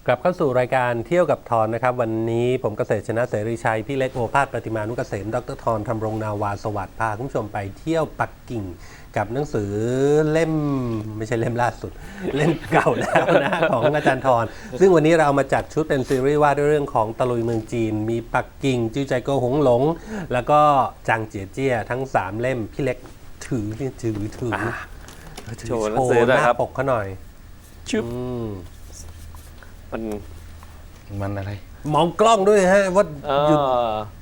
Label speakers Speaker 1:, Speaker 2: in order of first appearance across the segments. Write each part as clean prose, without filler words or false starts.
Speaker 1: กลับเข้าสู่รายการเที่ยวกับทอนนะครับวันนี้ผมเกษตรชนะเสรีชัยพี่เล็กโอภาสประติมานุกเกษมดรทอนธำรงนาวาสวัสดิ์พาคุณผู้ชมไปเที่ยวปักกิ่งกับหนังสือเล่มไม่ใช่เล่มล่าสุดเล่มเก่าแล้วนะของอาจารย์ทอนซึ่งวันนี้เราเอามาจัดชุดเป็นซีรีส์ว่าด้วยเรื่องของตะลุยเมืองจีนมีปักกิ่งจิ้วใจโกหงหลงแล้วก็จางเจี๋ยเจี้ยทั้ง3เล่มพี่เล็กถือ
Speaker 2: โชว์หนังสือหน่อยครับ
Speaker 1: หน้าปกเขาหน่อย
Speaker 2: ชึบ
Speaker 3: มันอะไร
Speaker 1: มองกล้องด้วยฮะว่าหยุด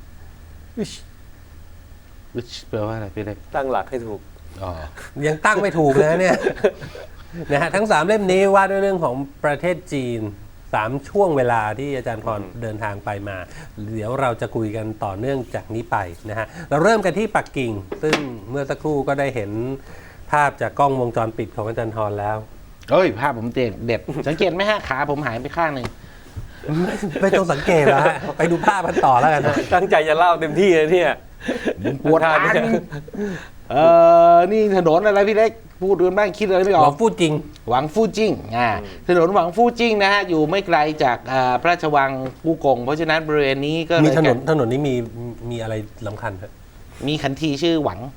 Speaker 3: วิชแปลว่าอะไรพี่เล็ก
Speaker 2: ตั้งหลักให้ถูก
Speaker 3: อ๋อ
Speaker 1: ยังตั้งไม่ถูกเลยเนี่ย นะฮะทั้ง3เล่มนี้ว่าด้วยเรื่องของประเทศจีน3ช่วงเวลาที่อาจารย์พรเดินทางไปมา เดี๋ยวเราจะคุยกันต่อเนื่องจากนี้ไปนะฮะเราเริ่มกันที่ปักกิ่ง ซึ่งเมื่อสักครู่ก็ได้เห็นภาพจากกล้องวงจรปิดของอาจารย์ทรแล้ว
Speaker 3: เอ้ยภาพผมเด็ด สังเกตไหมฮะขาผมหายไปข้างหนึ่ง
Speaker 1: ไม่ต้องสังเกตแล้วฮะไปดูภาพกันต่อแล้วกันนะ
Speaker 2: ตั้งใจจะเล่าเต็มที่เลยเนี่ย
Speaker 3: ปวดขานี่ถนนอะไรพี่เล็กพูดกันบ้างคิดอะไรไม่อ
Speaker 1: ห
Speaker 3: อ
Speaker 1: วั
Speaker 3: ก
Speaker 1: งพูดจริง
Speaker 3: หวังฟู่จิ้งถนนหวังฟู่จิ้งนะฮะอยู่ไม่ไกลจากพระราชวังกู่กงเพราะฉะนั้นบริเวณนี้ก็เลย
Speaker 1: มีถนนนี้มีอะไรสำคัญครับ
Speaker 3: มีคันทีชื่อหวัง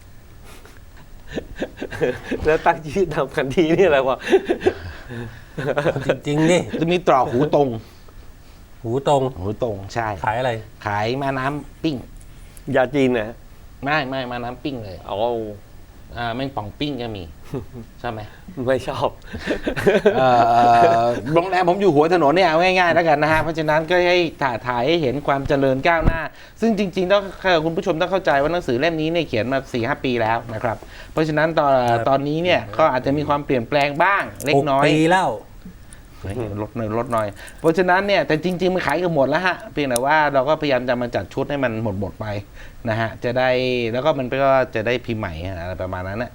Speaker 2: แล้วตั้งชื่อทำกันทีนี่อะไรวะ
Speaker 1: จริงๆนี่
Speaker 3: จะมีตรอกหูตรง
Speaker 1: หูตรง
Speaker 3: ใช่
Speaker 1: ขายอะไร
Speaker 3: ขายมาน้ำปิ้ง
Speaker 2: ยาจีนนะ
Speaker 3: ไม่มาน้ำปิ้งเลย
Speaker 2: อ๋อ
Speaker 3: แม่งป่องปิ้งก็มีใช่ไหม
Speaker 2: ไม่ชอบ
Speaker 3: โรงแรมผมอยู่หัวถนนเนี่ยเอาง่ายๆแล้วกันนะฮะเพราะฉะนั้นก็ให้ถ่ายให้เห็นความเจริญก้าวหน้า ซึ่งจริงๆต้องคุณผู้ชมต้องเข้าใจว่าหนังสือเล่มนี้เนี่ยเขียนมา 4-5 ปีแล้วนะครับเพราะฉะนั้นตอนนี้เนี่ยก็อาจจะมีความเปลี่ยนแปลงบ้างเล็กน้อย
Speaker 1: 6 ปีแล้ว
Speaker 3: ลดหน่อยเพราะฉะนั้นเนี่ยแต่จริงๆมันขายกันหมดแล้วฮะเพียงแต่ว่าเราก็พยายามจะมาจัดชุดให้มันหมดไปนะฮะจะได้แล้วก็มันก็จะได้พิมพ์ใหม่อะไรประมาณนั้นนะ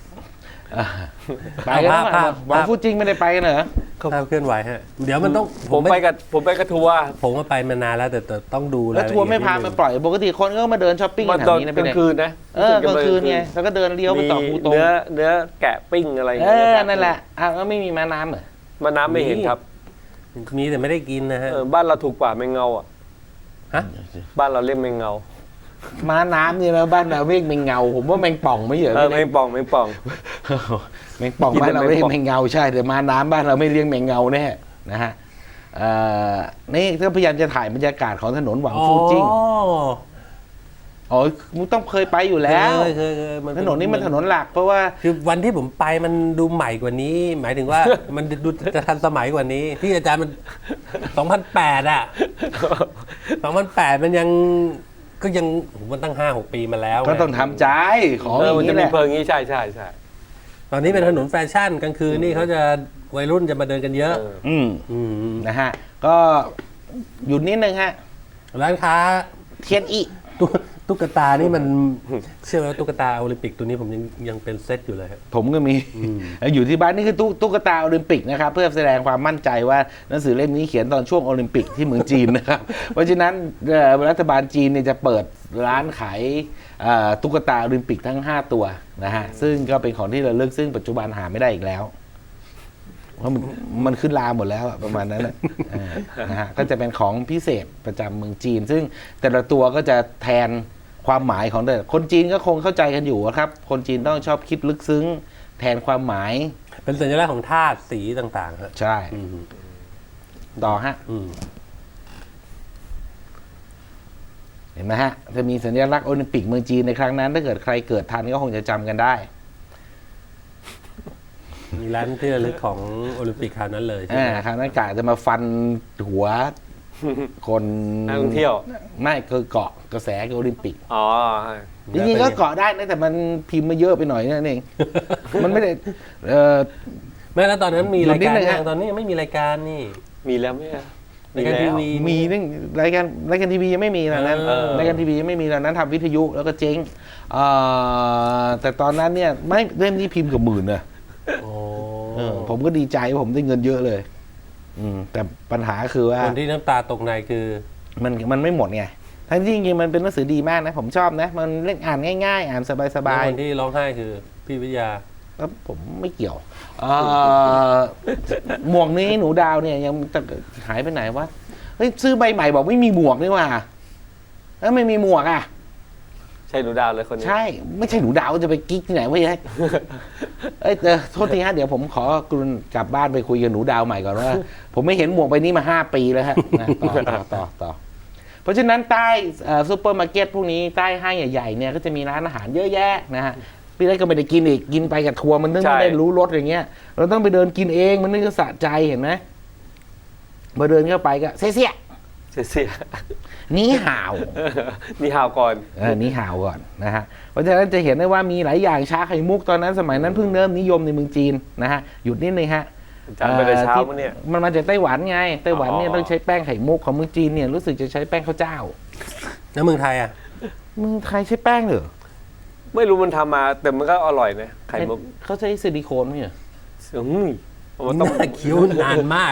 Speaker 3: ไปกัน
Speaker 1: ภาพ
Speaker 3: หวังพูดจริงไม่ได้ไปกันเหรอ
Speaker 1: ภาพเคลื่อนไหวฮะเดี๋ยวมันต้อง
Speaker 2: ผมไปกับทัวร์
Speaker 1: ผมก็ไปมานานแล้วแต่ต้องดู
Speaker 3: แล้วทัวร์ไม่พามาปล่อยปกติคนก็มาเดินช้อปปิ้ง
Speaker 2: มา
Speaker 3: แถ
Speaker 2: ตอ
Speaker 3: วน นี้นะ
Speaker 2: กลา
Speaker 3: พี่
Speaker 2: งคืนนะ
Speaker 3: กลางคืนไงแล้วก็เดินเลี้ยวไปต่อคูตง
Speaker 2: เนื้อแกะปิ้งอะไรอย่าง
Speaker 3: เอ
Speaker 2: เงี้ย
Speaker 3: นั่นแหละแล้วไม่มีม้าน้ำเหรอ
Speaker 2: มาน้ำไม่เห็นครับ
Speaker 1: มีแต่ไม่ได้กินนะฮะ
Speaker 2: บ้านเราถูกกว่าแมงเงาอ่ะ
Speaker 1: ฮะ
Speaker 2: บ้านเราเรียกแมงเงา
Speaker 3: ม้าน้ำเนี่ยนะบ้านเราเรียกแมงเงาผมว่าแมงป่องไม่เหรอ
Speaker 2: แมงป่อง
Speaker 3: แมงป่องบ้านเราเรียกแมงเงาใช่แต่ม้าน้ำบ้านเราไม่เรียกแมงเงาแน่นะฮะนี่ก็พยายามจะถ่ายบรรยากาศของถนนหวังฟูจิ้งอ๋อมึงต้องเคยไปอยู่แล้ว
Speaker 1: เคย
Speaker 3: ถนนนี้มันถนนหลักเพราะว่า
Speaker 1: คือวันที่ผมไปมันดูใหม่กว่านี้ หมายถึงว่า มันดูจะทันสมัยกว่านี้ที่อาจารย์มัน 2008 อ่ะ 2008 มันยังก็ยังมันตั้ง 5-6 ปีมาแล้ว
Speaker 3: ก็ต้องทำใจของอย่าง
Speaker 2: มันจะ
Speaker 3: นี้แห
Speaker 2: มี
Speaker 3: ละ
Speaker 2: เพลิงนี้ใช่
Speaker 1: ตอนนี้เป็นถนนแฟชั่นกลางคืนนี่เขาจะวัยรุ่นจะมาเดินกันเยอะ
Speaker 3: นะฮะก็หยุดนิดนึงฮะ
Speaker 1: ร้านค้า
Speaker 3: เทียนอี
Speaker 1: ตุ๊กตานี่มันเชื่อไหมว่าตุ๊กตาโอลิมปิกตัวนี้ผมยังเป็นเซตอยู่เลยครับ
Speaker 3: ผมก็มีอยู่ที่บ้านนี่คือตุ๊กตาโอลิมปิกนะครับเพื่อแสดงความมั่นใจว่าหนังสือเล่มนี้เขียนตอนช่วงโอลิมปิกที่เมืองจีนนะครับ เพราะฉะนั้นรัฐบาลจีนเนี่ยจะเปิดร้านขายตุ๊กตาโอลิมปิกทั้ง5ตัวนะฮะซึ่งก็เป็นของที่ระลึกซึ่งปัจจุบันหาไม่ได้อีกแล้วเพราะมันขึ้นลาหมดแล้วอะประมาณนั้นนะฮะก็จะเป็นของพิเศษประจำเมืองจีน ซึ่งแต่ละตัวก็จะแทนความหมายของแต่คนจีนก็คงเข้าใจกันอยู่ครับคนจีนต้องชอบคิดลึกซึ้งแทนความหมาย
Speaker 1: เป็นสัญลักษณ์ของธาตุสีต่างๆครับ
Speaker 3: ใช่ต่อฮะเห็นไหมฮะจะมีสัญลักษณ์โอลิมปิกเมืองจีนในครั้งนั้นถ้าเกิดใครเกิดทันก็คงจะจำกันได้
Speaker 1: มีร้านที่ระลึกของโอลิมปิกคราวนั้นเลยใช่ไหม
Speaker 3: ครั้งนั้นกะจะมาฟันหัวคน
Speaker 2: นักท่องเที่ยว
Speaker 3: ไม่คือเกาะกระแสโอลิมปิก
Speaker 2: อ๋อ
Speaker 3: จริงๆก็เกาะได้นะแต่มันพิมพ์มาเยอะไปหน่อยนั่นเอง มันไม่ได้
Speaker 1: แม้แล้วตอนนั้นมีรายการ
Speaker 3: นิดนึงฮะ
Speaker 1: ตอนนี้ยังไม่มีรายการนี่
Speaker 2: มีแล้วไหมอะ
Speaker 1: รายการทีวี
Speaker 3: มีนึงรายการทีวียังไม่มีตอนนั้นรายการทีวียังไม่มีตอนนั้นทำวิทยุแล้วก็เจ๊งแต่ตอนนั้นเนี่ยไม่เล่มนี้พิมพ์กับหมื่นนะ
Speaker 1: โอ้
Speaker 3: ผมก็ดีใจว่าผมได้เงินเยอะเลยแต่ปัญหาคือว่า
Speaker 1: คนที่น้ำตาตกในคือ
Speaker 3: มันไม่หมดไงทั้งที่จริงๆมันเป็นหนังสือดีมากนะผมชอบนะมันเล่นอ่านง่ายๆ อ่านสบาย
Speaker 1: คนที่ร้องไห้คือพี่วิทยา
Speaker 3: ผมไม่เกี่ยวหมวกนี้หนูดาวเนี่ยยังจะหายไปไหนวะเฮ้ยซื้อใบใหม่บอกไม่มีหมวกนี่ว่าแล้วไม่มีหมวกอ่ะ
Speaker 2: ใช่หนูดาวเลยคนนี้
Speaker 3: ใช่ไม่ใช่หนูดาวจะไปกิ๊กที่ไหนวะยัยเอ้ยโทษทีฮะเดี๋ยวผมขอกรุณกลับบ้านไปคุยกับหนูดาวใหม่ก่อนว่า ผมไม่เห็นหมวกใบนี้มา5 ปีแล้วฮะนะต่อเพราะฉะนั้นใต้ซูเปอร์มาร์เก็ตพวกนี้ใต้ห้างใหญ่ๆเนี่ยก็จะมีร้านอาหารเยอะแยะนะฮะพี่เล็กก็ไม่ได้กินอีกกินไปกับทัวร์มันนึกไม่ได้รู้รสอย่างเงี้ยเราต้องไปเดินกินเองมันนึกจะสะใจเห็นไหมมาเดินเข้าไปก็เสีย
Speaker 2: เสีย
Speaker 3: นี่ห่าว
Speaker 2: นี่ฮาวก่อน
Speaker 3: นี่ห่าวก่อนนะฮะเพราะฉะนั้นจะเห็นได้ว่ามีหลายอย่างชาไข่มุกตอนนั้นสมัยนั้นเพิ่งเริ่มนิยมในเมืองจีนนะฮะหยุดนิดนึงฮะ
Speaker 2: อาจารย์ไปแต่เช้ามั้งเนี่ย
Speaker 3: มันมาจากไต้หวันไงไต้หวันเนี่ย
Speaker 2: อ๋อ
Speaker 3: ต้องใช้แป้งไข่มุกของเมืองจีนเนี่ยรู้สึกจะใช้แป้งข้าวเจ้า
Speaker 1: แล้วเมืองไทยอ่ะ
Speaker 3: เมืองไทยใช้แป้งเหรอ
Speaker 2: ไม่รู้มันทำมาแต่มันก็อร่อยนะไข่มุก
Speaker 3: เขาใช้ซิลิโคนไหมเหรอ
Speaker 2: มันต้อง
Speaker 1: น่าเคี้ยวนานมาก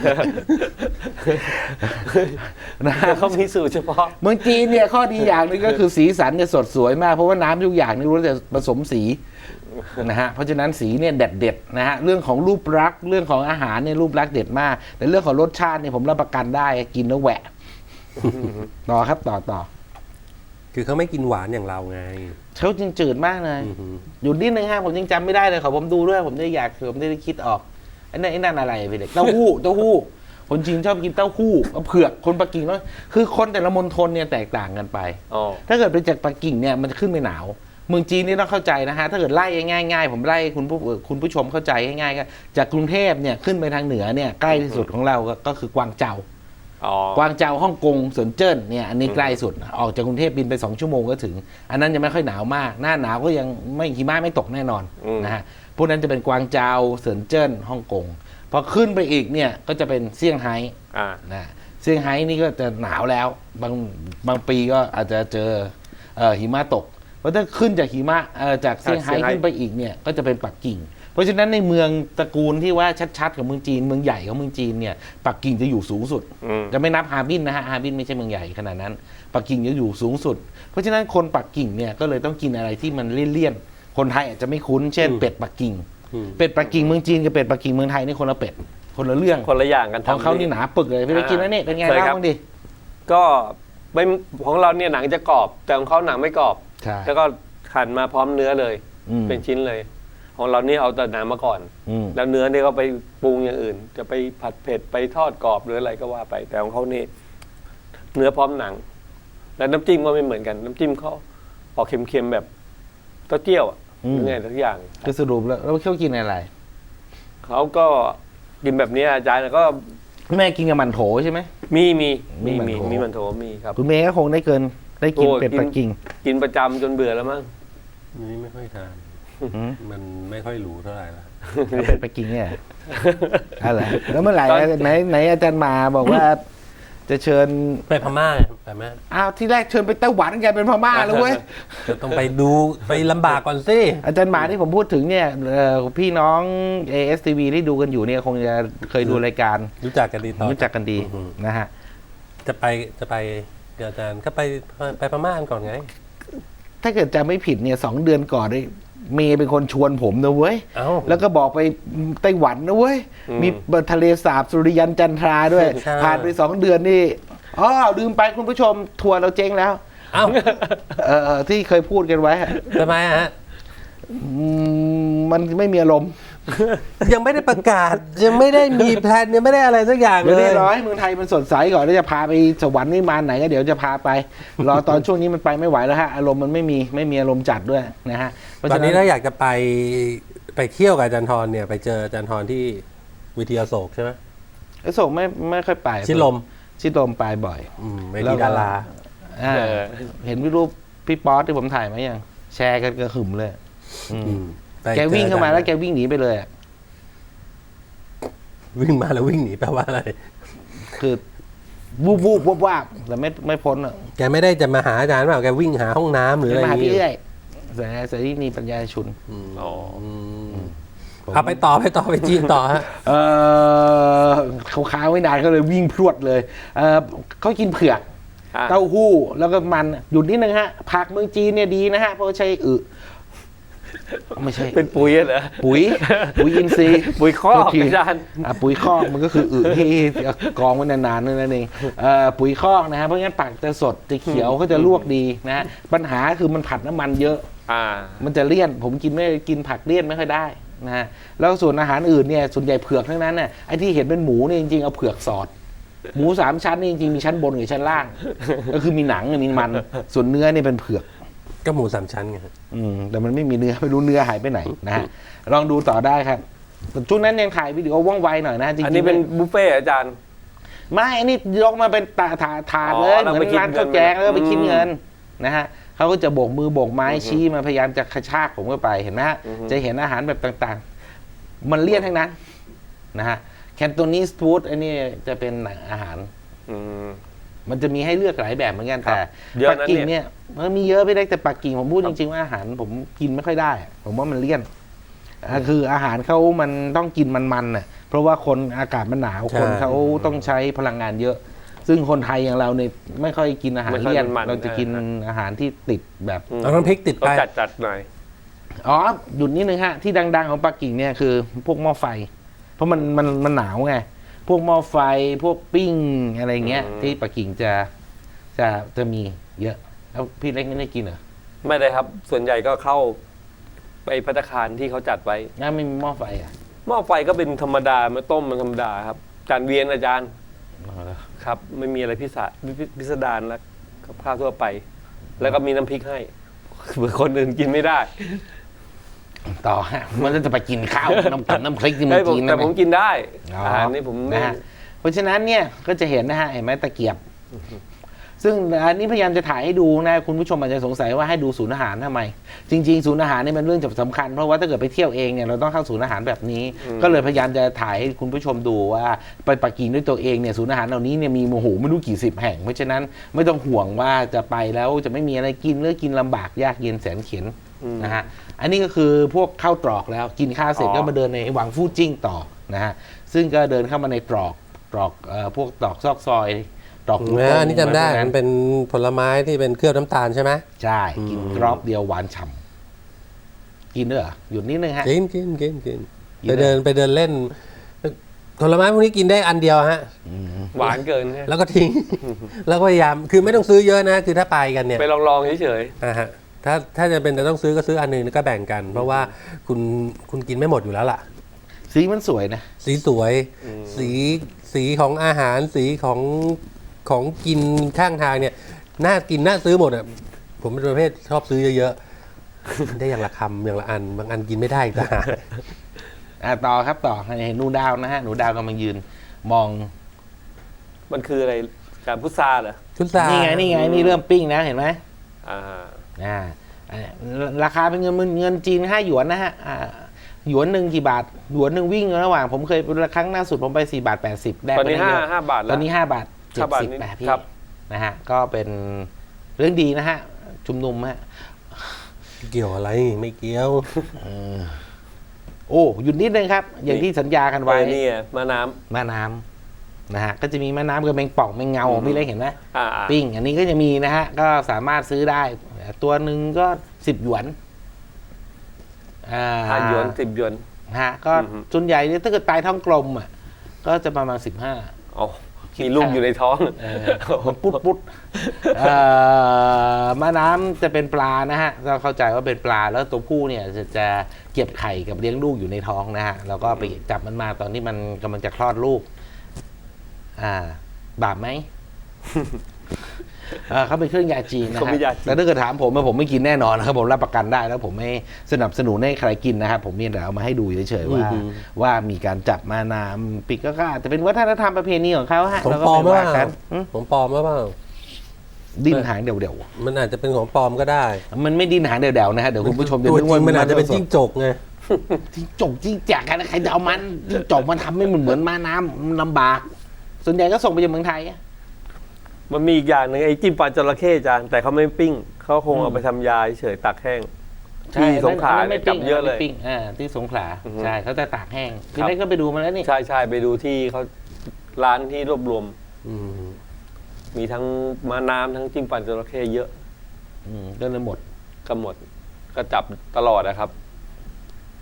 Speaker 3: นะ
Speaker 2: เขามีสูตรเฉพาะ
Speaker 3: เมืองจีนเนี่ยข้อดีอย่างหนึงก็คือสีสันเนี่ยสดสวยมากเพราะว่าน้ำทุกอย่างนี่รู้แต่ผสมสีนะฮะเพราะฉะนั้นสีเนี่ยเด็ดนะฮะเรื่องของรูปลักษณ์เรื่องของอาหารเนี่ยรูปลักษณ์เด็ดมากแต่เรื่องของรสชาติเนี่ยผมรับประกันได้กินแล้วแหวะต่อครับต่อ
Speaker 1: คือเขาไม่กินหวานอย่างเราไง
Speaker 3: เขาจริงจืดมากเลย
Speaker 1: อือหือ
Speaker 3: อยู่นิดนึงฮะผมยังจำไม่ได้เลยขอผมดูด้วยผมได้อยากผมได้คิดออกไอ้นั่นอะไรพี่เด็กเต้าหู้คนจีนชอบกินเต้าหู้เผือกคนปักกิ่งเนาะคือคนแต่ละมณฑลเนี่ยแตกต่างกันไป
Speaker 2: อ๋อ
Speaker 3: ถ้าเกิดเป็นจากปักกิ่งเนี่ยมันจะขึ้นไปหนาวเมืองจีนนี่ต้องเข้าใจนะฮะถ้าเกิดไล่ง่ายๆผมไล่คุณผู้ชมเข้าใจง่ายๆก็จากกรุงเทพเนี่ยขึ้นไปทางเหนือเนี่ยใกล้ที่สุดของเราก็คือกวางเจา
Speaker 2: อ๋อก
Speaker 3: วางเจาฮ่องกงเซินเจิ้นเนี่ยอันนี้ใกล้สุดออกจากกรุงเทพบินไป2 ชั่วโมงก็ถึง อันนั้นยังไม่ค่อยหนาวมากหน้าหนาวก็ยังไม่หิมะไม่ตกแน่นอนนะฮะพวกนั้นจะเป็นกวางเจาเซินเจิ้นฮ่องกงพอขึ้นไปอีกเนี่ยก็จะเป็นเซี่ยงไฮ้
Speaker 2: อ่า
Speaker 3: นะเซี่ยงไฮ้นี่ก็จะหนาวแล้วบางปีก็อาจจะเจอหิมะตกเพราะถ้าขึ้นจากหิมะจากเซี่ยงไฮ้ขึ้นไปอีกเนี่ยก็จะเป็นปักกิ่งเพราะฉะนั้นในเมืองตระกูลที่ว่าชัดๆของเมืองจีนเมืองใหญ่ของเมืองจีนเนี่ยปักกิ่งจะอยู่สูงสุด จะไม่นับฮาร์บินนะฮะฮาร์บินไม่ใช่เมืองใหญ่ขนาดนั้นปักกิ่งจะอยู่สูงสุดเพราะฉะนั้นคนปักกิ่งเนี่ยก็เลยต้องกินอะไรที่มันเลี่ยนๆคนไทยอาจจะไม่คุ้นเช่นเป็ดปักกิ่งเป็ดปักกิ่งเมืองจีนกับเป็ดปักกิ่งเมืองไทยนี่คนละเป็ดคนละเรื่อง
Speaker 2: คนละอย่างกัน
Speaker 3: ของเขานี่หนาปึกเลยพี่ได้กินแล้วนี่เป็นไงเล่าบ้างดิ
Speaker 2: ก็ไม่ของเราเนี่ยหนังจะกรอบ แต่ของเขาหนังไม่กรอบ
Speaker 3: ใช่
Speaker 2: แล้วก็หั่นมาพร้อมเนื้อเลย เป็นชิ้นเลย ของเรานี่เอาแต่หนังมาก่อน แล้วเนื้อเนี่ยก็ไปปรุงอย่างอื่น จะไปผัดเผ็ดไปทอดกรอบหรืออะไรก็ว่าไป แต่ของเขานี่เนื้อพร้อมหนัง แล้วน้ำจิ้มก็ไม่เหมือนกัน น้ำจิ้มเขาออกเค็มๆแบบเต้าเจี้ยวหรือไงทุกอย่าง
Speaker 3: คือสรุปแล้วเขากินอะไร
Speaker 2: เขาก็กินแบบนี้อาจารย์ก็
Speaker 3: แม่กินกับมันโถใช่ไหม
Speaker 2: มี
Speaker 3: มี
Speaker 2: มันโถมีครับ
Speaker 3: คุณเมย์ก็คงได้ได้กิน
Speaker 2: โอ้
Speaker 3: เป็ดปักกิ่ง
Speaker 2: กินประจำจนเบื่อแล้วมั้ง
Speaker 1: นี่ไม่ค่อยทาน มันไม่ค่อยหรูเท่าไหร่ละ
Speaker 3: แล้วเป็ดปักกิ่งเนี่ยอะไรแล้วเมื่อไหร่ไหนอาจารย์มาบอกว่า จะเชิญ
Speaker 1: ไปพม่าไปไหม
Speaker 3: อ้าวที่แรกเชิญไปไต้หวันแกเป็นพม่าแล้วเว้ย
Speaker 1: จะต้องไปดูไปลำบากก่อนสิ
Speaker 3: อาจารย์หมาที่ผมพูดถึงเนี่ยพี่น้อง ASTV ที่ดูกันอยู่เนี่ยคงจะเคยดูรายการ
Speaker 1: รู้จักกันดีตอน
Speaker 3: รู้จักกันดีนะฮะ
Speaker 1: จะไปเดี๋ยวอาจารย์ก็ไปพม่ากันก่อนไง
Speaker 3: ถ้าเกิดจำไม่ผิดเนี่ย2 เดือนก่อนเนี่ยเมย์เป็นคนชวนผมนะเว้ย
Speaker 1: เอ้า
Speaker 3: แล้วก็บอกไปไต้หวันนะเว้ย มีทะเลสาบสุริยันจันทราด้วย
Speaker 1: ใช่
Speaker 3: ผ่านไป2 เดือนนี่อ๋อลืมไปคุณผู้ชมทัวร์เราเจ๊งแล้ว
Speaker 1: เอ้า
Speaker 3: ที่เคยพูดกันไว้อะ
Speaker 1: ทำไมฮะ
Speaker 3: มันไม่มีอารมณ์
Speaker 1: ยังไม่ได้ประกาศยังไม่ได้มีแพลนยังไม่ได้อะไรสักอย่างเล
Speaker 3: เรี
Speaker 1: ย
Speaker 3: ยบร้อยเมืองไทยมันสดใสก่อนแล้วจะพาไปสวรรค์วิมานไหนก็เดี๋ยวจะพาไป รอตอนช่วงนี้มันไปไม่ไหวแล้วฮะอารมณ์มันไม่มีอารมณ์จัดด้วยนะฮะเพราะ
Speaker 1: ตอ
Speaker 3: ฉะ
Speaker 1: นนี้ถ้าอยากจะไปเที่ยวกับอาจารย์ทรเนี่ยไปเจออาจารย์ทรที่วิทยาโศกใช่ไหม
Speaker 3: ไอ้ส่งไม่ค่อยไป
Speaker 1: ชิดลม
Speaker 3: ชิดลมไปบ่อย
Speaker 1: เวทีดารา
Speaker 3: อ่าเห็นรูปพี่ป๊อตที่ผมถ่ายมายังแชร์กันกระหึ่มเลย
Speaker 1: ไป
Speaker 3: แกวิ่งเข้ามาแล้วแกวิ่งหนีไปเลยอะ
Speaker 1: วิ่งมาแล้ววิ่งหนีแปลว่าอะไร
Speaker 3: คือวูบวาบแต่ไม่พ้นอ่ะ
Speaker 1: แกไม่ได้จะมาหาอาจารย์เปล่าแกวิ่งหาห้องน้ำหรืออะไร
Speaker 3: มา
Speaker 1: อ
Speaker 3: หา
Speaker 1: ย่าง
Speaker 3: พี่
Speaker 1: งี้
Speaker 3: เอ้ยเสรีนีปัญญาชุน
Speaker 2: อ๋อ
Speaker 1: เอาไปต่อไปจีนต่อฮะ
Speaker 3: เขาค้างไว้นานก็เลยวิ่งพรวดเลยเขากินเผือก
Speaker 2: อ่ะ
Speaker 3: เต้าหู้แล้วก็มันหยุดนิดนึงฮะผักเมืองจีนเนี่ยดีนะฮะเพราะใช้ไม่ใช่
Speaker 2: เป็นปุ๋ยเหรอ
Speaker 3: ปุ๋ยอินทรีย์
Speaker 2: ปุ๋ยคอก
Speaker 3: โทษที
Speaker 2: อาจารย์
Speaker 3: ปุ๋ยคอกมันก็คืออึที่กองไว้นานๆนั่นเองปุ๋ยคอกนะฮะเพราะงั้นผักจะสดจะเขียวก็จะลวกดีนะฮะปัญหาคือมันผัดน้ำมันเยอะ มันจะเลี่ยนผมกินผักเลี่ยนไม่ค่อยได้นะฮะแล้วส่วนอาหารอื่นเนี่ยส่วนใหญ่เผือกทั้งนั้นน่ะไอ้ที่เห็นเป็นหมูเนี่ยจริงๆเอาเผือกสอด หมู3 ชั้นนี่จริงๆมีชั้นบนกับชั้นล่าง ก็คือมีหนังมีมันส่วนเนื้อนี่เป็นเผือก
Speaker 1: ก็หมู3 ชั้นไงครับ
Speaker 3: แต่มันไม่มีเนื้อไม่รู้เนื้อหายไปไหนนะฮะลองดูต่อได้ครับช่วงนั้นยังถ่ายวิดีโอว่องไวหน่อยนะจริงๆ
Speaker 2: อันนี้เป็นบุฟเฟ่ต์อาจารย์
Speaker 3: ไม่อันนี้ยกมาเป็นถาดเลยเหมือนร้านข้าวแกงแล้วไปคิดเงินนะฮะเขาก็จะโบกมือโบกไม้ชี้มาพยายามจะกระชากผมเข้าไปเห็นไหมฮะจะเห็นอาหารแบบต่างๆ มันเลี่ยนทั้งนั้นนะฮะแคนโตนีสฟู้ดอันนี้จะเป็นอาหารมันจะมีให้เลือกหลายแบบเหมือนกันแต่ปักกิ่งเนี่ยมันมีเยอะไม่ได้แต่ปักกิ่งผมพูดจริงๆว่าอาหารผมกินไม่ค่อยได้ผมว่ามันเลี่ยนคืออาหารเขามันต้องกินมันๆน่ะเพราะว่าคนอากาศมันหนาวคนเขาต้องใช้พลังงานเยอะ ซึ่งคนไทยอย่างเราเนี่ยไม่ค่อยกินอาหารเลี่ยนเราจะกินอาหารที่ติดแบบ
Speaker 1: เอาน้ำพริกติดไป
Speaker 2: จัดหน่อย
Speaker 3: อ๋อหยุดนิดนึงฮะที่ดังๆของปักกิ่งเนี่ยคือพวกหม้อไฟเพราะมันหนาวไงพวกหม้อไฟพวกปิ้งอะไรเงี้ยที่ปักกิ่งจะมีเยอะแล้วพี่เล็กไม่ได้กินเหรอ
Speaker 2: ไม่ได้ครับส่วนใหญ่ก็เข้าไปภัตตาคารที่เขาจัดไว้
Speaker 3: งั้นไม่มีหม้อไฟอ่ะ
Speaker 2: หม้อไฟก็เป็นธรรมดามาต้มมันธรรมดาครับจานเวียนอาจารย์ครับไม่มีอะไรพิสดารแล้วกับข้าวทั่วไป แล้วก็มีน้ำพริกให้เผื่อคนอื่นกินไม่ได้
Speaker 3: ต่อฮะมันจะไปกินข้าวน้ำพริกที่มันจีน
Speaker 2: แต่ผมกินได้
Speaker 3: อ๋อ
Speaker 2: อาหารนี่ผม
Speaker 3: นะฮะเพราะฉะนั้นเนี่ยก็จะเห็นนะฮะเห็นไหมตะเกียบ ซึ่งอันนี้พยายามจะถ่ายให้ดูนะคุณผู้ชมอาจจะสงสัยว่าให้ดูศูนย์อาหารทำไม จริงๆศูนย์อาหารนี่เป็นเรื่องสำคัญเพราะว่าถ้าเกิดไปเที่ยวเองเนี่ยเราต้องเข้าศูนย์อาหารแบบนี้ ก็เลยพยายามจะถ่ายให้คุณผู้ชมดูว่าไปปักกิ่งด้วยตัวเองเนี่ยศูนย์อาหารเหล่านี้เนี่ยมีโอ้โหไม่รู้กี่สิบแห่งเพราะฉะนั้นไม่ต้องห่วงว่าจะไปแล้วจะไม่มีอะไรกินหรือกินลำบากยากเย็นแสนเข็ญนะฮะอันนี้ก็คือพวกข้าวตรอกแล้วกินข้าวเสร็จก็มาเดินในวังฟู่จิ้งต่อนะฮะซึ่งก็เดินเข้ามาในตรอกพวกตรอกซอกซอยตรอก
Speaker 1: อันนี้จำได้มันเป็นผลไม้ที่เป็นเคลือบน้ำตาลใช่ไหม
Speaker 3: ใช่กินกรอบเดียวหวานฉ่ำกินด้วยเหรอหยุดนิดนึงฮะ
Speaker 1: กินไปเดินเล่นผลไม้พวกนี้กินได้อันเดียวฮะ
Speaker 2: หวานเกินใช่ไหม
Speaker 1: แล้วก็ทิ้ง แล้วก็พยายามคือไม่ต้องซื้อเยอะนะคือถ้าไปกันเนี่ย
Speaker 2: ไปลองๆเฉย
Speaker 1: ฮะถ้าจะเป็นแต่ต้องซื้อก็ซื้ออันหนึงแล้วก็แบ่งกัน เพราะว่าคุณกินไม่หมดอยู่แล้วล่ะ
Speaker 3: สีมันสวยนะ
Speaker 1: สีสวยสีของอาหารสีของกินข้างทางเนี่ยน่ากินน่าซื้อหมดอ่ะผมเป็นประเภทชอบซื้อเยอะๆ ได้อย่างละคำอย่างละอันบางอันกินไม่ได้อีกต่างหาก
Speaker 3: ต่อครับต่อเห็นหนูดาวนะฮะหนูดาวกำลังยืนมอง
Speaker 2: ๆมันคืออะไรการพุทราเหรอ
Speaker 1: ชุดซา
Speaker 3: นี่ไงนี่เริ่มปิ้งนะเห็นไหม
Speaker 2: อ่า
Speaker 3: ราคาเป็นเงินจีน5 หยวนนะฮะหยวนหนึ่งกี่บาทหยวนหนึ่งวิ่งระหว่างผมเคยครั้งล่าสุดผมไป4 บาท 80ได้
Speaker 2: ตอนนี้
Speaker 3: ไปได้เยอะ
Speaker 2: ห้าบาทแล้ว
Speaker 3: ตอนนี้5 บาท
Speaker 2: 5 บาท
Speaker 3: 70แบบพี่
Speaker 2: ครับ
Speaker 3: นะฮะก็เป็นเรื่องดีนะฮะชุมนุมฮะ
Speaker 1: เกี่ยวอะไรไม่เกี่ยว
Speaker 3: โอ้หยุดนิดนึงครับ อย่างที่สัญญากันไว้
Speaker 2: นี่ไงมะน้
Speaker 3: แม่น้ำนะฮะก็จะมีแม่น้ำกับแมงป่องแมงเงาพี่เล็กเห็นไหม
Speaker 2: ำอ่า
Speaker 3: ปิ้งอันนี้ก็จะมีนะฮะก็สามารถซื้อได้ตัวหนึ่งก็10 หยวน
Speaker 2: 5 หยวน10 หยวน
Speaker 3: ฮะก็ส่วนใหญ่เนี่ยถ้าเกิดตายท้องกลมอ่ะก็จะประมาณ15
Speaker 2: อ๋อมีลูกอยู่ในท้อง
Speaker 3: ปุ๊ดมะน้ำจะเป็นปลานะฮะเราเข้าใจว่าเป็นปลาแล้วตัวผู้เนี่ยจะเก็บไข่กับเลี้ยงลูกอยู่ในท้องนะฮะแล้วก็ไปจับมันมาตอนที่มันกำลังจะคลอดลูกบาปไหม เขาเป็นเครื่องยาจีนนะ
Speaker 2: เขา
Speaker 3: ฮะ
Speaker 2: เป็นยาจีน
Speaker 3: แต่ถ้าเกิดถามผมผมไม่กินแน่นอนนะครับผมรับประกันได้แล้วผมไม่สนับสนุนให้ใครกินนะครับผมมีแต่เอามาให้ดูเฉยๆว่ามีการจับมาน้ำปิกก็อาจจะเป็นวัฒนธรรมประเพณีของเขาฮะ
Speaker 1: ของ
Speaker 3: แล้วก็
Speaker 1: ปลอม
Speaker 3: ไป
Speaker 1: หรือ
Speaker 3: ว่า
Speaker 1: เป
Speaker 3: กั
Speaker 1: ล่าน ของปลอมหรือเปล่า
Speaker 3: ดิ้นหางเดี่ยว
Speaker 1: มันอาจจะเป็นของปลอมก็ได้
Speaker 3: ๆมันไม่ดิ้นหางเดี่ยวๆนะฮะเดี๋ยวคุณผู้ชมจะ
Speaker 1: ตัว
Speaker 3: นึก
Speaker 1: จริ
Speaker 3: ว่าง
Speaker 1: มันอาจจะเป็นจิ้งจกไง
Speaker 3: จิ้งจกจิ้งแจกกันใครจะเอามันจิ้งจกมันทำไม่เหมือนม้าน้ำมันลำบาก ส่วนใหญ่ก็ส่งไปยังเมืองไทยอะ
Speaker 2: มันมีอีกอย่างหนึ่งไอ้จิ้มปลาจระเข้จานแต่เขาไม่ปิ้งเขาคงเอาไปทำยาเฉยๆตักแห้งที่สงขลาเนี่ยจับเยอะเลย
Speaker 3: ที่สงขลา
Speaker 2: อือฮึ
Speaker 3: ใช่เขาจะตากแห้ง
Speaker 2: ค
Speaker 3: พี่
Speaker 2: รับ
Speaker 3: เล็กก็ไปดูมาแล้วนี่
Speaker 2: ใช่ไปดูที่เขาร้านที่รวบรวม
Speaker 1: อืม
Speaker 2: มีทั้งม้าน้ำทั้งจิ้มปลาจระเข้เยอะ
Speaker 3: ก็เลยหมด
Speaker 2: ก็หมดก็จับตลอดนะครับ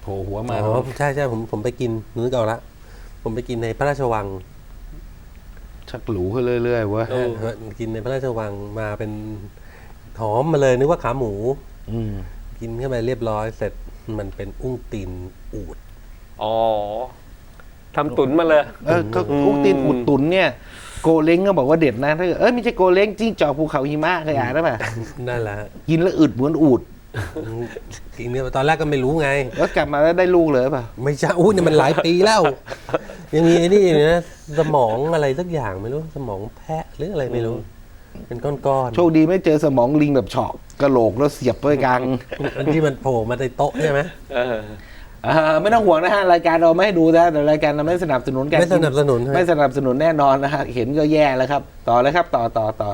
Speaker 3: ผล่หัวมา
Speaker 1: อ๋อใช่ใช่ผมไปกินนึกออกละผมไปกินในพระราชวัง
Speaker 3: ชักหรูขึ้นเรื่อยๆเว้ย
Speaker 1: กินในพระราชวังมาเป็นหอมมาเลยนึกว่าขาหมู
Speaker 3: อืม
Speaker 1: กินเข้าไปเรียบร้อยเสร็จมันเป็นอุ้งตีนอูฐ
Speaker 2: อ๋อทำตุ๋นมาเลย
Speaker 3: ก็กุ๊กตีนอุดตุ๋นเนี่ย โกเล้งก็บอกว่าเด็ดนะถ้าเกิดไม่ใช่โกเล้งจิ้งจอกภูเขาหิมะเคยอ่านหรือเปล่า
Speaker 1: นั่นแหละฮะ
Speaker 3: กินแล้วอึดเหมือนอูด
Speaker 1: กินเนี่ยตอนแรกก็ไม่รู้ไง
Speaker 3: แล้วกลับมาแล้วได้ลูกเลยเปล่า
Speaker 1: ไม่ใช่อู้เนี่ยมันหลายปีแล้ว ยังมีไอ้นี่อยู่นะสมองอะไรสักอย่างไม่รู้สมองแพะหรืออะไรไม่รู้ เป็นก้อน
Speaker 3: โชคดีไม่เจอสมองลิงแบบเฉาะกระโหลกแล้วเสียบไปกลาง
Speaker 1: ๆอันที่มันโผล่มาในโต๊ะใช่ไหม
Speaker 3: ไม่ต้องห่วงนะฮะรายการเราไม่ให้ดูนะแต่รายการเราไม่สนับสนุนการ
Speaker 1: ไม่สนับสนุนใช่ไหม
Speaker 3: ไม่สนับสนุนแน่นอนนะฮะเห็นก็แย่แล้วครับ ต่อเลยครับ ต่อ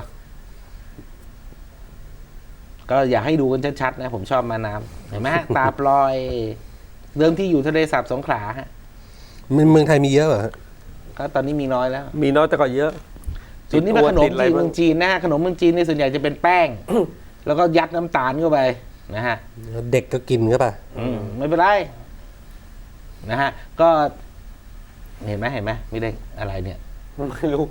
Speaker 3: ก็อยากให้ดูกันชัดๆนะผมชอบมาน้ำเห็นไหมฮะ ตาปลอย เดิมที่อยู่ทะเลสาบสงขลาฮะ
Speaker 1: เมืองไทยมีเยอะเหรอฮะ
Speaker 3: ก็ตอนนี้มีน้อยแล้ว
Speaker 2: มีน้อยแต่ก็เยอะ
Speaker 3: ส่วนนี้เป็นขนม
Speaker 2: ติดอะไร
Speaker 3: จีน
Speaker 2: บ้าง
Speaker 3: เมืองจีนนะฮะขนมเมืองจีนนี่ส่วนใหญ่จะเป็นแป้ง แล้วก็ยัดน้ำตาลเข้าไปนะฮะ
Speaker 1: เด็กก็กินก็ป่ะ
Speaker 3: ไม่เป็นไรนะฮะ ก็เห็นไหมไม่ได้อะไรเนี่ย
Speaker 2: ไม่รู้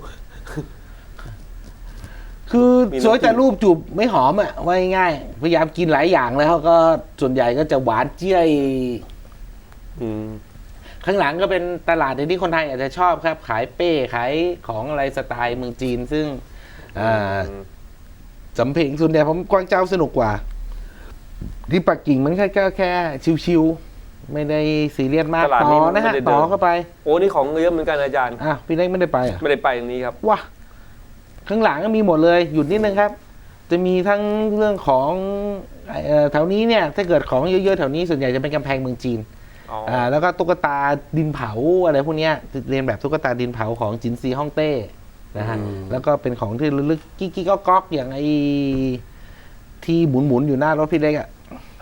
Speaker 3: คือ
Speaker 2: มีน้ำ
Speaker 3: สวยแต่
Speaker 2: จิ้ม
Speaker 3: รูปจูบไม่หอมอ่ะว่าง่ายๆพยายามกินหลายอย่างแล้วก็ส่วนใหญ่ก็จะหวานเจี๊ย
Speaker 2: อืม
Speaker 3: ข้างหลังก็เป็นตลาดที่คนไทยอาจจะชอบครับ ขายเป้ขายของอะไรสไตล์เมืองจีน ซึ่งสำเพ็งส่วนใหญ่ผมกวางเจ้าสนุกกว่า ที่ปักกิ่งมันแค่ชิวๆไม่ได้ซีเรียสมาก
Speaker 2: ตลาด
Speaker 3: ต่
Speaker 2: นี้
Speaker 3: อ
Speaker 2: มัน
Speaker 3: นะฮะ
Speaker 2: ไม่ได้เดิน
Speaker 3: ต่อเข้าไป
Speaker 2: โอ้นี่ของเยอะเหมือนกันอาจารย์
Speaker 3: พี่เล็กไม่ได้ไปอ่ะ
Speaker 2: ไม่ได้ไปตรงนี้ครับ
Speaker 3: ว้าข้างหลังก็มีหมดเลยหยุดนิดนึงครับ จะมีทั้งเรื่องของแถวนี้เนี่ย ถ้าเกิดของเยอะๆแถวนี้ส่วนใหญ่จะเป็นกำแพงเมืองจีน
Speaker 2: อ๋อ
Speaker 3: แล้วก็ตุ๊กตาดินเผาอะไรพวกเนี้ยเรียนแบบตุ๊กตาดินเผาของจินซีฮ่องเต้นะฮะแล้วก็เป็นของที่ระลึกกิ๊กๆก๊อกๆอย่างไอ้ที่หมุนๆอยู่หน้ารถพี่เล็กอ่ะ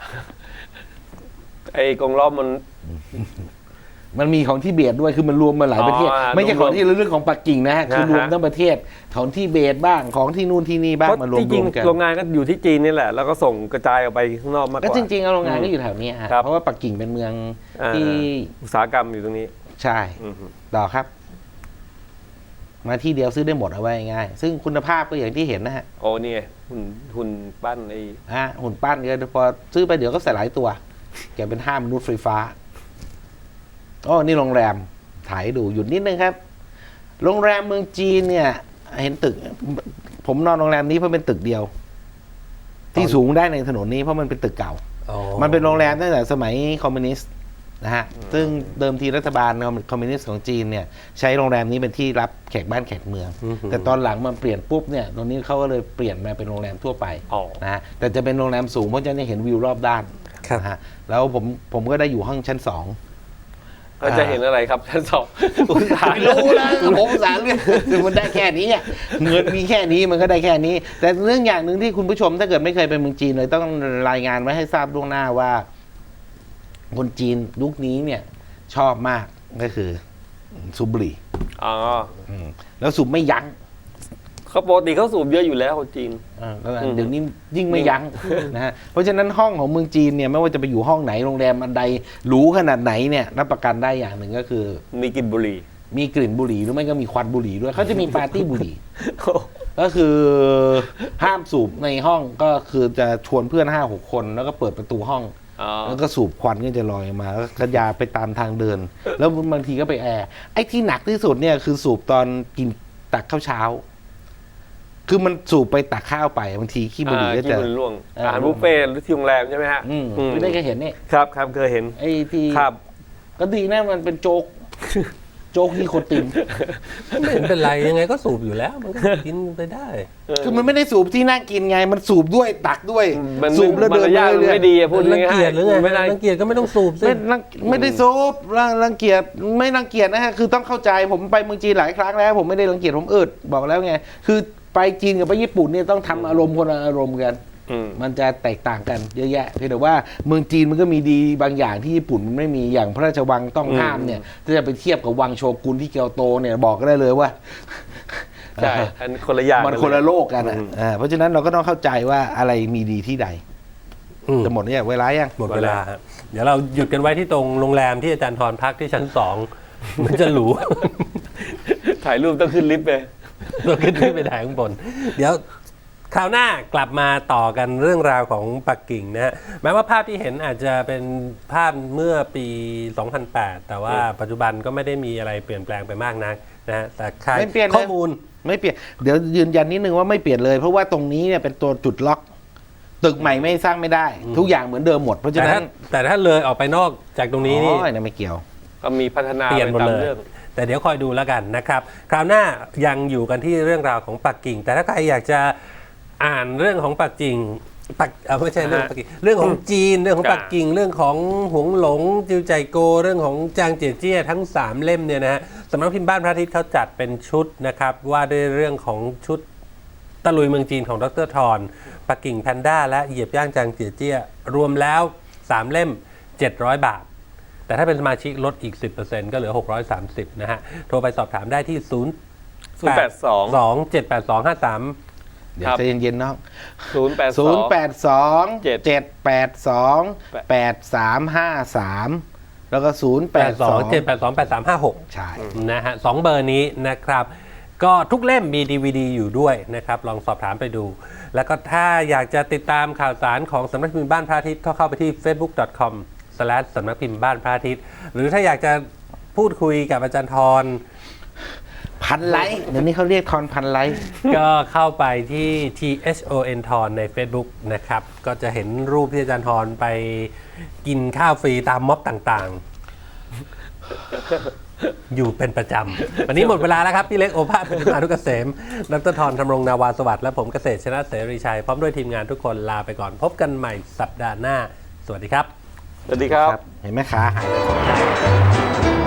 Speaker 2: ไอ้กรงล้อมมัน
Speaker 3: มันมีของที่เบตด้วยคือมันรวมมาหลายประเทศ ไม่ใช่ของที่ระลึกของปักกิ่งนะฮะคือรวมทั้งประเทศของที่เบตบ้างของที่นู่นที่นี่บ้าง
Speaker 2: เพราะ
Speaker 3: มารว
Speaker 2: จริง
Speaker 3: มๆกัน
Speaker 2: ๆโรงงานก็อยู่ที่จีนนี่แหละ แล้วก็ส่งกระจายออกไปข้างนอกมากก
Speaker 3: ก็
Speaker 2: ว่า
Speaker 3: จริงๆโรงงานก็อยู่แถวนี้ฮะ
Speaker 2: ครับ
Speaker 3: เพราะว่าปักกิ่งเป็นเมือง
Speaker 2: อ่า
Speaker 3: ที่
Speaker 2: อุตสาหกรรมอยู่ตรงนี้
Speaker 3: ใช่
Speaker 2: อือฮึ
Speaker 3: ต่อครับ มาที่เดียวซื้อได้หมดเอาไว้ง่ายซึ่งคุณภาพก็อย่างที่เห็นนะฮะ
Speaker 2: โอ้นี่ไงหุ่นปั้นไอ้
Speaker 3: หุ่นปั้นก็พอซื้อไปเดี๋ยวก็ใส่หลายตัว แกเป็น5 มนุษย์ไฟฟ้าอ๋อนี่โรงแรมถ่ายให้ดูหยุดนิดนึงครับ โรงแรมเมืองจีนเนี่ย เห็นตึก ผมนอนโรงแรมนี้เพราะเป็นตึกเดียว ที่สูงได้ในถนนนี้เพราะมันเป็นตึกเก่า
Speaker 1: อ๋อ
Speaker 3: มันเป็นโรงแรมตั้งแต่สมัยคอมมิวนิสต์นะฮะ ซึ่งเดิมทีรัฐบาลคอมมิวนิสต์ของจีนเนี่ยใช้โรงแรมนี้เป็นที่รับแขกบ้านแขกเมือง แต่ตอนหลังมันเปลี่ยนปุ๊บเนี่ยตรงนี้เขาก็เลยเปลี่ยนมาเป็นโรงแรมทั่วไป
Speaker 2: อ๋อ
Speaker 3: นะฮะ แต่จะเป็นโรงแรมสูงเพราะจะได้เห็นวิวรอบด้าน
Speaker 1: ครับ
Speaker 3: นะฮะ แล้วผมก็ได้อยู่ห้องชั้น 2
Speaker 2: ก็จะเห็นอะไรครับชั้นสองอุตสาห
Speaker 3: รู้แล้วผมสารเนี่ยคือมันได้แค่นี้อะเงินมีแค่นี้มันก็ได้แค่นี้ แต่เรื่องอย่างหนึ่งที่คุณผู้ชมถ้าเกิดไม่เคยไปเมืองจีนเลยต้องรายงานไว้ให้ทราบล่วงหน้าว่า คนจีนยุคนี้เนี่ย ชอบมากก็คือสูบบุหรี่
Speaker 2: อ๋อ
Speaker 3: แล้วสูบไม่ยั้ง
Speaker 2: เขาปกติเขาสูบเยอะอยู่แล้วคนจีน
Speaker 3: แล้วเดี๋ยวนี้ยิ่งไม่ยั้งนะฮะเพราะฉะนั้นห้องของเมืองจีนเนี่ยไม่ว่าจะไปอยู่ห้องไหนโรงแรมอันใดหรูขนาดไหนเนี่ยรับประกันได้อย่างหนึ่งก็คือ
Speaker 2: มีกลิ่นบุหรี่
Speaker 3: มีกลิ่นบุหรี่หรือไม่ก็มีควันบุหรี่ด้วยเขาจะมีปาร์ตี้บุหรี่ ก็คือห้ามสูบในห้องก็คือจะชวนเพื่อน5-6 คนแล้วก็เปิดประตูห้อง
Speaker 2: อ๋อ
Speaker 3: แล้วก็สูบควันก็จะลอยมาแล้วกระยาไปตามทางเดิน แล้วบางทีก็ไปแอร์ไอ้ที่หนักที่สุดเนี่ยคือสูบตอนกินตักข้าวเช้า คือมันสูบไปตักข้าวไปบางทีขี้บุหรี่ก็จะ
Speaker 2: ขี้บุหรี่ร่วงอาหารบุฟเฟ่ต์หรือที่โรงแรมใช่ไหมฮะ
Speaker 3: ไม่ได้เคยเห็นนี่
Speaker 2: ครับครับเคยเห็น
Speaker 3: ไอ้ที่
Speaker 2: ครับ
Speaker 3: ก็ดีนะมันเป็นโจ๊ก โจ๊กนิโคติน
Speaker 1: ไม่เห็นเป็นไรยังไงก็สูบอยู่แล้ว มันก็กินไปได้
Speaker 3: คือมันไม่ได้สูบที่นั่งกินไง มันสูบด้วยตักด้วย
Speaker 2: มัน
Speaker 3: สูบแล้วเดิน
Speaker 2: มารยาท
Speaker 3: เรื่อย
Speaker 2: ไม่ดีอะพูด
Speaker 1: รังเกียจหรือไง
Speaker 2: ไม่ได้
Speaker 1: รังเกียจก็ไม่ต้องสูบสิ
Speaker 3: ไม่ได้สูบรังเกียจไม่รังเกียจนะฮะคือต้องเข้าใจผมไปเมืองจีนหลายครั้งแล้ว ผมไม่ได้รังเกียจผมอึดบอกแล้วไงคือไปจีนกับไปญี่ปุ่นเนี่ยต้องทำอารมณ์คนละอารมณ์กัน มันจะแตกต่างกันเยอะแยะเพียงแต่ว่าเมืองจีนมันก็มีดีบางอย่างที่ญี่ปุ่นมันไม่มีอย่างพระราชวังต้องห้ามเนี่ยถ้าจะไปเทียบกับวังโชกุนที่เกียวโตเนี่ยบอกก็ได้เลยว่า
Speaker 2: ใช่อันคนละอย่าง
Speaker 3: มันคนละโลกกันเพราะฉะนั้นเราก็ต้องเข้าใจว่าอะไรมีดีที่ใด
Speaker 1: อืม
Speaker 3: จะหมดเนี่ยเวลายัง
Speaker 1: หมดเวลาฮะเดี๋ยวเราหยุดกันไว้ที่ตรงโรงแรมที่อาจารย์ทรพักที่ชั้น 2 มันจะหรู
Speaker 2: ถ่ายรูปต้องขึ้นลิฟต์ไป
Speaker 1: เราขึ้นไปถ่ายข้างบน เดี๋ยวคราวหน้ากลับมาต่อกันเรื่องราวของปักกิ่งนะฮะแม้ว่าภาพที่เห็นอาจจะเป็นภาพเมื่อปี 2008 แต่ว่าปัจจุบันก็ไม่ได้มีอะไรเปลี่ยนแปลงไปมากนักนะฮะแต่ใคร
Speaker 3: ไม่เปลี่ยนเลย
Speaker 1: ข้อมูล
Speaker 3: ไม่เปลี่ยนเดี๋ยวยืนยันนิดนึงว่าไม่เปลี่ยนเลยเพราะว่าตรงนี้เนี่ยเป็นตัวจุดล็อก ตึกใหม่ไม่สร้างไม่ได้ ทุกอย่างเหมือนเดิมหมดเพราะฉะนั้น
Speaker 1: แต่ถ้าเลยออกไปนอกจากตรงนี้นี่
Speaker 3: อ๋อเนี่ยไม่เกี่ยว
Speaker 2: ก็มีพัฒนา
Speaker 1: เปลี่ยนหมด
Speaker 2: ไปตาม
Speaker 1: เลย
Speaker 2: เรื่อง
Speaker 1: แต่เดี๋ยวคอยดูแล้วกันนะครับ คราวหน้ายังอยู่กันที่เรื่องราวของปักกิ่ง แต่ถ้าใครอยากจะอ่านเรื่องของปักกิ่งไม่ใช่เรื่องปักกิ่งเรื่องของจีนเรื่องของปักกิ่งเรื่องของหงหลงจิวใจโกเรื่องของจางเจียเจี้ยทั้ง3เล่มเนี่ยนะฮะสำนักพิมพ์บ้านพระอาทิตย์เขาจัดเป็นชุดนะครับว่าด้วยเรื่องของชุดตะลุยเมืองจีนของดร.ทรปักกิ่งแพนด้าและเหยียบย่างจางเจียเจี้ยรวมแล้ว3เล่ม700 บาท แต่ถ้าเป็นสมาชิกลดอีก 10% ก็เหลือ 630 นะฮะ โทรไปสอบถามได้ที่
Speaker 2: 082
Speaker 1: 78253
Speaker 3: เดี๋ยวใจเย็นๆน้อง
Speaker 2: 082
Speaker 3: 082-782-8353 แล้วก็
Speaker 1: 782-8356
Speaker 3: ใช่
Speaker 1: นะฮะ2เบอร์นี้นะครับ ก็ทุกเล่มมี DVD อยู่ด้วยนะครับ ลองสอบถามไปดู แล้วก็ถ้าอยากจะติดตามข่าวสารของสำนักพิมพ์บ้านพระอาทิตย์ก็เข้าไปที่ facebook.com/ สำนักพิมพ์บ้านพระอาทิตย์ หรือถ้าอยากจะพูดคุยกับอาจารย์ทร
Speaker 3: พันไลค์เดี๋ยวนี้เขาเรียกทอนพันไลค์
Speaker 1: ก็เข้าไปที่ THON ทอนใน Facebook นะครับ ก็จะเห็นรูปที่อาจารย์ทรไปกินข้าวฟรีตามม็อบต่างๆ อยู่เป็นประจำ วันนี้หมดเวลาแล้วครับ พี่เล็กโอภาสปฏิมานุกเกษม ดร.ทรธำรงนาวาสวัสดิ์และผมเกษตรชนะเสรีชัย พร้อมด้วยทีมงานทุกคนลาไปก่อน พบกันใหม่สัปดาห์หน้า สวัสดีครับ
Speaker 2: สวัสดีครับ
Speaker 3: เห็นไหมขาหายไป